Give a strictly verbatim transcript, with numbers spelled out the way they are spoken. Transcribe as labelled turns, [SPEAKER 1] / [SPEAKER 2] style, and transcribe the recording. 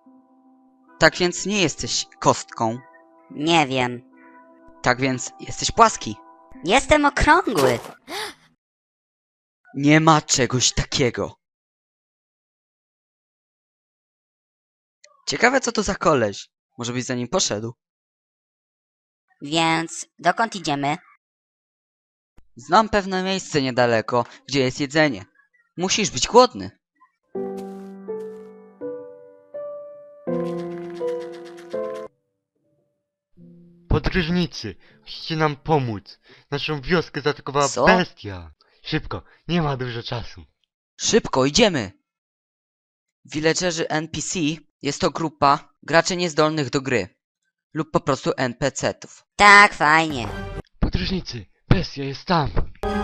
[SPEAKER 1] Tak więc nie jesteś kostką.
[SPEAKER 2] Nie wiem.
[SPEAKER 1] Tak więc jesteś płaski.
[SPEAKER 2] Jestem okrągły.
[SPEAKER 1] Nie ma czegoś takiego. Ciekawe co to za koleś. Może byś za nim poszedł.
[SPEAKER 2] Więc dokąd idziemy?
[SPEAKER 1] Znam pewne miejsce niedaleko, gdzie jest jedzenie. Musisz być głodny.
[SPEAKER 3] Podróżnicy, musicie nam pomóc. Naszą wioskę zaatakowała
[SPEAKER 1] Co?
[SPEAKER 3] bestia. Szybko, nie ma dużo czasu.
[SPEAKER 1] Szybko, idziemy! Villagerzy N P C jest to grupa graczy niezdolnych do gry. Lub po prostu N P C-tów.
[SPEAKER 2] Tak, fajnie.
[SPEAKER 3] Podróżnicy, bestia jest tam.